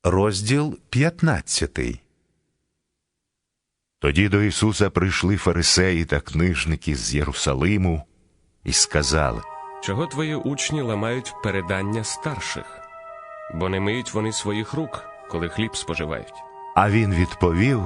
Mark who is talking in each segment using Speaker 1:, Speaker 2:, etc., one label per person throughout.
Speaker 1: Розділ 15.
Speaker 2: Тоді до Ісуса прийшли фарисеї та книжники з Єрусалиму і сказали:
Speaker 3: «Чого твої учні ламають передання старших? Бо не миють вони своїх рук, коли хліб споживають».
Speaker 2: А він відповів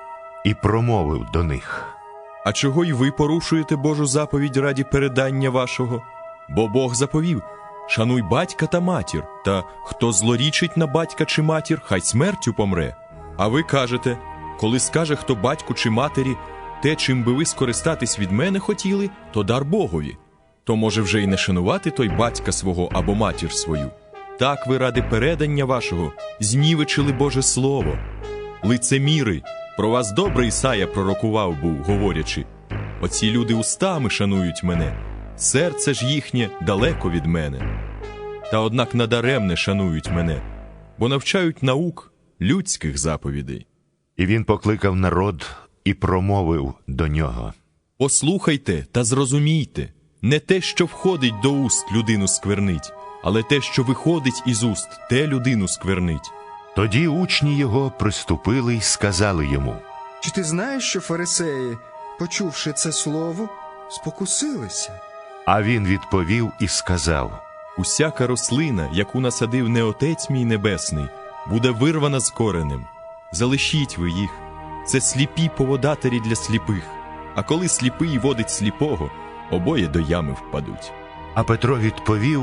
Speaker 2: і промовив до них:
Speaker 4: «А чого й ви порушуєте Божу заповідь раді передання вашого? Бо Бог заповів: шануй батька та матір, та хто злорічить на батька чи матір, хай смертю помре. А ви кажете: коли скаже хто батьку чи матері, те, чим би ви скористатись від мене хотіли, то дар Богові. То може вже й не шанувати той батька свого або матір свою. Так ви ради передання вашого знівечили Боже Слово. Лицеміри, про вас добре Ісая пророкував був, говорячи: оці люди устами шанують мене, серце ж їхнє далеко від мене. Та однак надаремне шанують мене, бо навчають наук людських заповідей».
Speaker 2: І він покликав народ і промовив до нього:
Speaker 4: «Послухайте та зрозумійте, не те, що входить до уст, людину сквернить, але те, що виходить із уст, те людину сквернить».
Speaker 2: Тоді учні його приступили й сказали йому:
Speaker 5: «Чи ти знаєш, що фарисеї, почувши це слово, спокусилися?»
Speaker 2: А він відповів і сказав:
Speaker 4: «Усяка рослина, яку насадив не Отець мій Небесний, буде вирвана з коренем. Залишіть ви їх. Це сліпі поводатері для сліпих. А коли сліпий водить сліпого, обоє до ями впадуть».
Speaker 2: А Петро відповів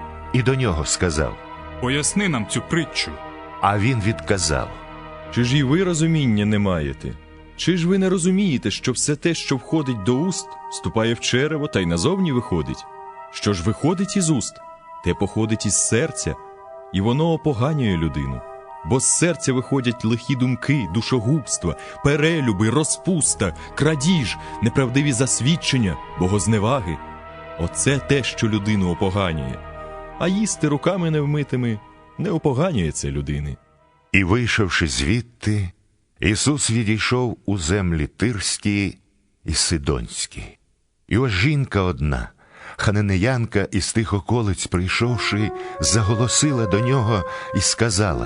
Speaker 2: і до нього сказав:
Speaker 6: «Поясни нам цю притчу».
Speaker 2: А він відказав:
Speaker 4: «Чи ж і ви розуміння не маєте? Чи ж ви не розумієте, що все те, що входить до уст, вступає в черево та й назовні виходить? Що ж виходить із уст, те походить із серця, і воно опоганює людину. Бо з серця виходять лихі думки, душогубства, перелюби, розпуста, крадіж, неправдиві засвідчення, богозневаги. Оце те, що людину опоганює. А їсти руками невмитими не опоганює це людини».
Speaker 2: І, вийшовши звідти, Ісус відійшов у землі Тирські і Сидонські. І ось жінка одна, хананеянка із тих околиць, прийшовши, заголосила до нього і сказала: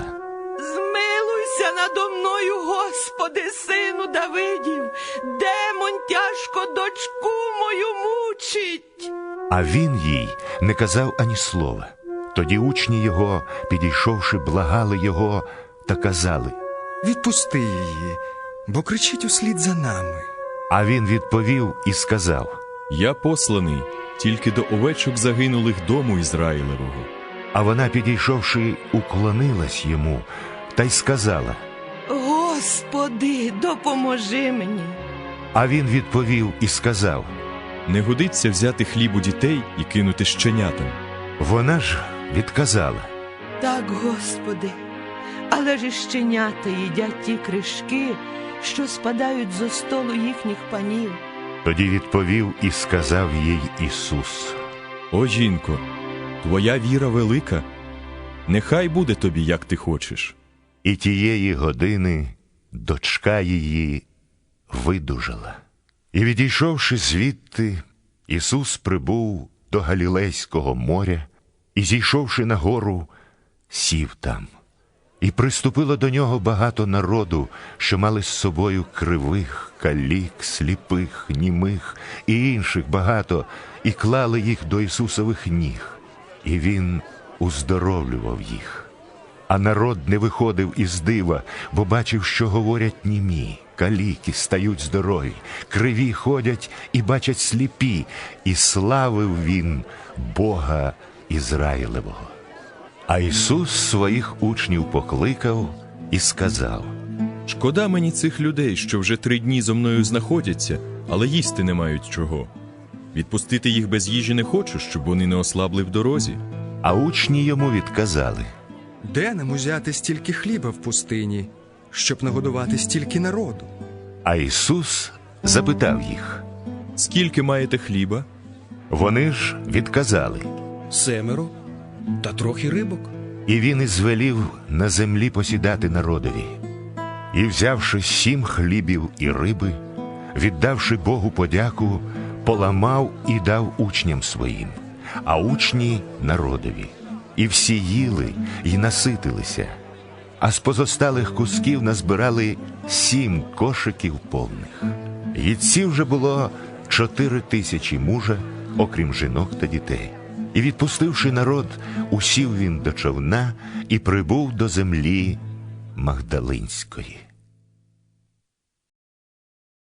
Speaker 7: «Змилуйся надо мною, Господи, сину Давидів, демон тяжко дочку мою мучить».
Speaker 2: А він їй не казав ані слова. Тоді учні його, підійшовши, благали його та казали:
Speaker 5: «Відпусти її, бо кричить услід за нами».
Speaker 2: А він відповів і сказав:
Speaker 4: «Я посланий тільки до овечок загинулих дому Ізраїлевого».
Speaker 2: А вона, підійшовши, уклонилась йому та й сказала:
Speaker 7: «Господи, допоможи мені».
Speaker 2: А він відповів і сказав:
Speaker 4: «Не годиться взяти хліб у дітей і кинути щенятам».
Speaker 2: Вона ж відказала:
Speaker 7: «Так, Господи, але ж і щенята їдять ті кришки, що спадають зо столу їхніх панів».
Speaker 2: Тоді відповів і сказав їй Ісус:
Speaker 4: «О, жінко, твоя віра велика, нехай буде тобі, як ти хочеш».
Speaker 2: І тієї години дочка її видужала. І, відійшовши звідти, Ісус прибув до Галілейського моря і, зійшовши на гору, сів там. І приступило до нього багато народу, що мали з собою кривих, калік, сліпих, німих і інших багато, і клали їх до Ісусових ніг. І Він уздоровлював їх. А народ не виходив із дива, бо бачив, що говорять німі, каліки стають здорові, криві ходять і бачать сліпі, і славив він Бога Ізраїлевого. А Ісус своїх учнів покликав і сказав:
Speaker 4: «Шкода мені цих людей, що вже 3 дні зо мною знаходяться, але їсти не мають чого. Відпустити їх без їжі не хочу, щоб вони не ослабли в дорозі».
Speaker 2: А учні йому відказали:
Speaker 5: «Де нам узяти стільки хліба в пустині, щоб нагодувати стільки народу?»
Speaker 2: А Ісус запитав їх.
Speaker 4: «Скільки маєте хліба?»
Speaker 2: Вони ж відказали:
Speaker 8: 7 та трохи рибок.
Speaker 2: І він ізвелів на землі посідати народові. І, взявши 7 хлібів і риби, віддавши Богу подяку, поламав і дав учням своїм, а учні народові. І всі їли й наситилися. а з позосталих кусків назбирали 7 кошиків повних. Їдців вже було 4000 мужа, окрім жінок та дітей. І, відпустивши народ, усів він до човна і прибув до землі Магдалинської.